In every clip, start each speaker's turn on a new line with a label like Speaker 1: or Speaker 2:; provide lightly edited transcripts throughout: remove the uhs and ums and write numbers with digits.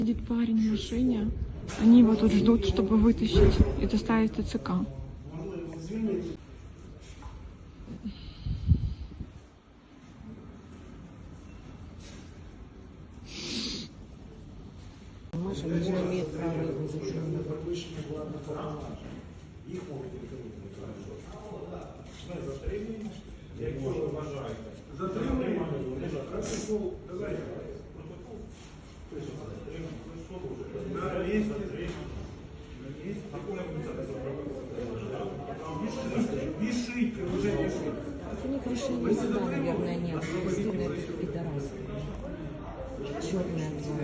Speaker 1: Сидит парень в машине, они его тут ждут, чтобы вытащить и доставить в ТЦК.
Speaker 2: Маша не имеет права его задержать. У них решения суда, наверное, нет. Бесстыдно этот пидорас. Черная тварь.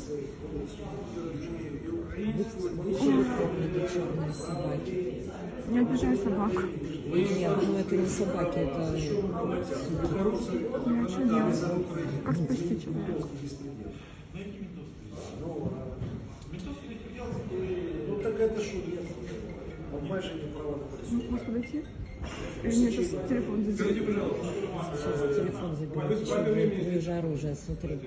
Speaker 2: Будьте прокляты, черные собаки.
Speaker 1: Не обижай собак.
Speaker 2: Нет, ну это не собаки, это...
Speaker 1: Ну а что делать? Как спасти человека?
Speaker 3: Ну так это шутка. Обмеження права на пересування.
Speaker 1: Можно подойти? Или мне сейчас телефон заберет?
Speaker 2: Сейчас телефон заберет. Сейчас будет ниже оружия, смотри.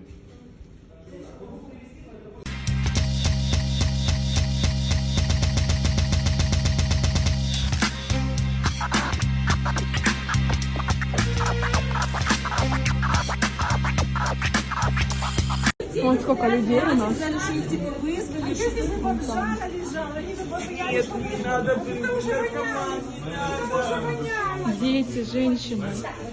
Speaker 1: Вон сколько людей у нас. Дети, женщины.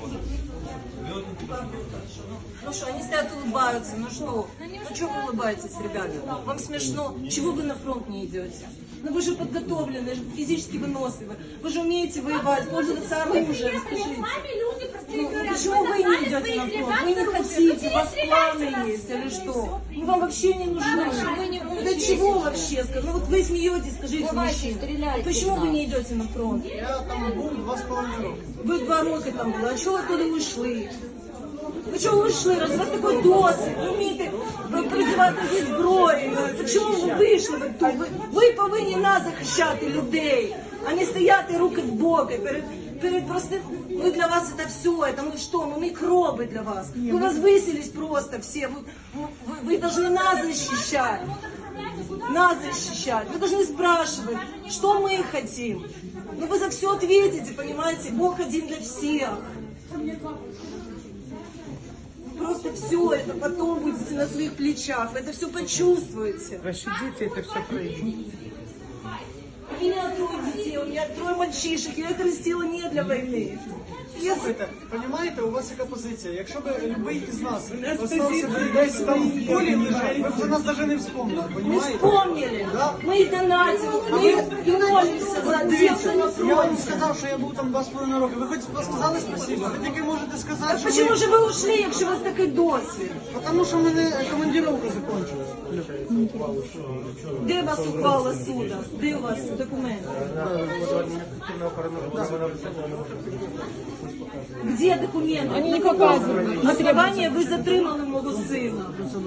Speaker 4: Ну что, они стоят, улыбаются, ну что? Ну что вы улыбаетесь, ребята? Вам смешно? Чего вы на фронт не идете? Ну вы же подготовлены, физически выносливы. Вы же умеете воевать, пользоваться оружием, скажите. Ну, почему вы не идете на фронт? Вы не хотите, у вас планы есть или что? Мы вам вообще не нужны. Для чего вообще? Ну вот вы смеетесь, скажите, мужчина. Почему вы не идете на фронт?
Speaker 3: Я там був 2,5 роки.
Speaker 4: Ви 2 роки там були, а чого ви туди ушли? Ви чого вийшли? Раз у вас такий досвід, ви вмієте призивати зі зброєю. Чому ви вийшли? Ви повинні нас захищати, людей, а не стояти руки в боки перед простым. Мы для вас это все, это мы что? Мы микробы для вас. Мы вас высились просто все. Вы должны нас защищать. Нас защищать. Вы должны спрашивать, что мы хотим. Ну вы за все ответите, понимаете? Бог один для всех. Просто все это потом будете на своих плечах. Вы это все почувствуете.
Speaker 3: Ваші діти це все пройдуть.
Speaker 4: У меня 3 детей, у меня 3 мальчишек. Я их растила не для войны.
Speaker 3: Слухайте, розумієте, у вас яка позиція? Якщо б любий із нас остався десь там в полі лежать, ви б за нас навіть не вспомнили,
Speaker 4: Мы
Speaker 3: розумієте?
Speaker 4: вспомнили.
Speaker 3: Да.
Speaker 4: Мы их донатим. Мы и молимся за тех, кто на
Speaker 3: Я вам
Speaker 4: фронте.
Speaker 3: сказав, що я був там 2,5 роки. Ви хоч сказали спасибо? Ви тільки можете сказати,
Speaker 4: Так
Speaker 3: що
Speaker 4: почему же вы ушли, якщо у вас такий досвід?
Speaker 3: Тому що в мене командировка закінчилась.
Speaker 4: Де вас ухвала суду? Де у вас документи? Где документы?
Speaker 1: Они не показывают.
Speaker 4: Основание вы затримали мого сина.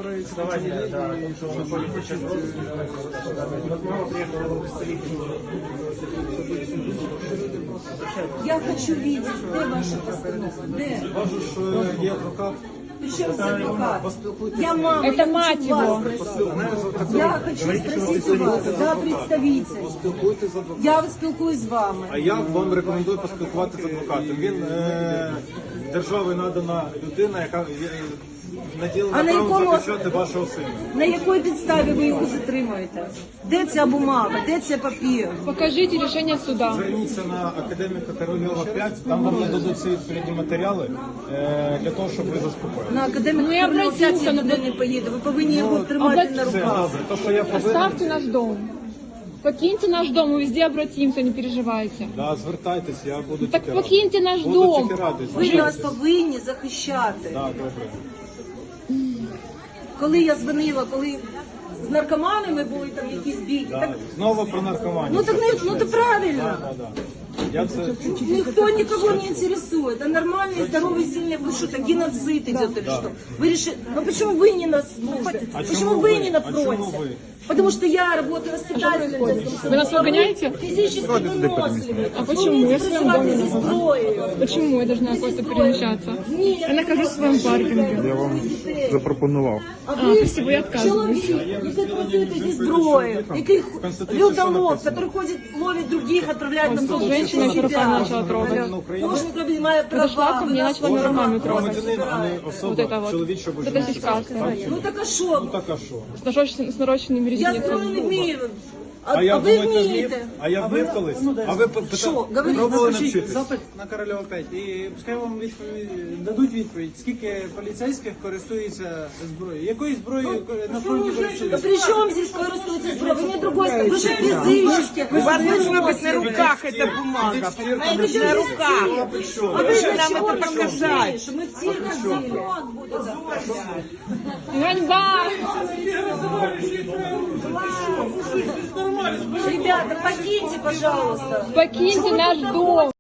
Speaker 4: Я хочу видеть, где ваша постанова? Где?
Speaker 3: Є адвокат.
Speaker 4: Причем здесь адвокат? Я мама.
Speaker 1: Это
Speaker 4: я хочу
Speaker 1: мать
Speaker 4: вас
Speaker 1: его.
Speaker 4: спросить. Я хочу спросить у вас, да, представитель.
Speaker 5: Спілкуйтесь з адвокатом.
Speaker 4: Я спілкуюсь з вами.
Speaker 5: А я вам рекомендую поспілкуватися з адвокатом. Він державою надана людина, яка
Speaker 4: А
Speaker 5: наділена
Speaker 4: на
Speaker 5: правом
Speaker 4: якому-
Speaker 5: захищати вашого сина.
Speaker 4: На якій підставі ви його затримуєте? Де ця бумага? Де цей папір?
Speaker 1: Покажите решение суда.
Speaker 5: Зверніться на академіка Корольова 5, там вам нададуть всі відповідні матеріали для того, щоб ви заспокоїли.
Speaker 4: На академіка
Speaker 1: Ну, і
Speaker 4: Корольова
Speaker 1: обратіться
Speaker 4: ніде не поїде. Ви повинні його тримати на
Speaker 5: Це
Speaker 4: руках.
Speaker 5: добре. То, що я повинен,
Speaker 1: Оставьте наш дом. Покиньте наш дом, мы везде обратимся, не переживайте.
Speaker 5: да, звертайтесь, я буду
Speaker 1: Так
Speaker 5: тільки радий.
Speaker 1: покиньте наш
Speaker 5: Буду
Speaker 1: дом.
Speaker 5: тільки радий.
Speaker 4: Ви нас повинні захищати.
Speaker 5: Да, добре.
Speaker 4: Коли я дзвонила, коли з наркоманами були там якісь бійки,
Speaker 5: Да.
Speaker 4: так
Speaker 5: Знову про наркоманію.
Speaker 4: ну так не ну то правильно.
Speaker 5: Да, да. Я це
Speaker 4: Никто никого не интересует. Это нормальный, здоровый, сильный. Вы что, это геноцид идет или что? Вы решили... Ну почему вы не на службе? Почему вы не на
Speaker 5: почему
Speaker 4: фронте?
Speaker 5: вы?
Speaker 4: Потому что я работаю воспитателем.
Speaker 1: Вы нас выгоняете?
Speaker 4: Физически выносливый.
Speaker 1: А почему?
Speaker 4: Вы
Speaker 1: Я
Speaker 4: умеете
Speaker 1: с вами
Speaker 4: проживать
Speaker 1: дома
Speaker 4: здесь
Speaker 1: нахожусь.
Speaker 4: строя.
Speaker 1: Почему я должна куда-то перемещаться?
Speaker 4: Нет,
Speaker 1: Я нахожусь в своем паркинге.
Speaker 6: Я вам запропонував.
Speaker 4: А
Speaker 1: А,
Speaker 4: ви
Speaker 1: спасибо, я отказываюсь.
Speaker 4: чоловік, який працюєте зі зброєю, який людолов, який ходить, ловить других, отправляет на
Speaker 1: Тут женщина,
Speaker 4: себя.
Speaker 1: которая начала трогать.
Speaker 4: Можно проблема має
Speaker 1: Подошла
Speaker 4: права.
Speaker 1: ко мне, начала меня руками трогать.
Speaker 5: громадянин, а не
Speaker 1: Вот
Speaker 5: особа,
Speaker 1: это вот.
Speaker 5: чоловічого
Speaker 1: Вот это сиська.
Speaker 4: Ну так а що?
Speaker 5: Так а що?
Speaker 1: С нарощенными
Speaker 4: Я зброю не
Speaker 1: ресницами.
Speaker 4: вмію.
Speaker 5: А
Speaker 4: А
Speaker 5: я
Speaker 4: ви
Speaker 5: думаю, вмів?
Speaker 4: вмієте?
Speaker 5: А я вмів колись? А ви
Speaker 4: Що? Говоріть.
Speaker 5: пробували
Speaker 3: Напишіть
Speaker 5: навчитись?
Speaker 3: запит на Корольова 5 і пускай вам дадуть відповідь, скільки поліцейських користується зброєю. Якою зброєю на фронті
Speaker 4: Да
Speaker 3: користуються?
Speaker 4: при чем здесь користуется зброя? Вы мне другой скажете. Вы же физически.
Speaker 7: У вас должно быть на руках эта бумага. Понимаете, на руках.
Speaker 4: А вы
Speaker 7: Что
Speaker 4: для
Speaker 7: нам
Speaker 4: чего
Speaker 7: это показать?
Speaker 4: что мы все ходили?
Speaker 1: Ганьба!
Speaker 4: Ребята, покиньте, пожалуйста.
Speaker 1: Покиньте наш дом!